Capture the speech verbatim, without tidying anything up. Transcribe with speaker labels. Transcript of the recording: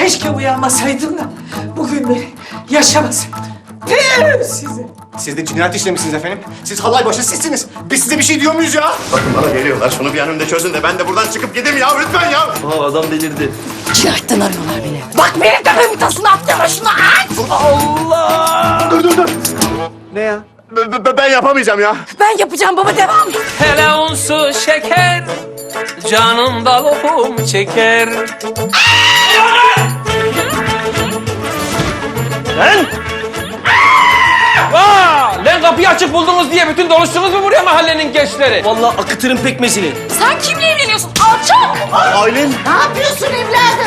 Speaker 1: Keşke uyanmasaydım da bugünleri yaşamasaydım. Tüh size.
Speaker 2: Siz de cinayet işlemişsiniz efendim. Siz halay başı sizsiniz. Biz size bir şey diyor muyuz ya? Bakın bana geliyorlar. Şunu bir an önce çözün de ben de buradan çıkıp gideyim ya. Lütfen ya.
Speaker 3: Aa, adam delirdi.
Speaker 4: Cinayetten arıyorlar beni. Bak benim tepemin tasını attırma şunu aç.
Speaker 3: Allah!
Speaker 2: Dur dur dur.
Speaker 3: Ne ya?
Speaker 2: B- b- ben yapamayacağım ya.
Speaker 4: Ben yapacağım baba devam.
Speaker 5: Hele unsu şeker, canımda lokum çeker.
Speaker 3: Lan!
Speaker 5: Aa, lan kapıyı açık buldunuz diye bütün doluştunuz mu buraya mahallenin gençleri?
Speaker 3: Vallahi akıtırım pekmezini.
Speaker 4: Sen kimle evleniyorsun? Alçak!
Speaker 2: Aylin.
Speaker 4: Ne yapıyorsun evladım?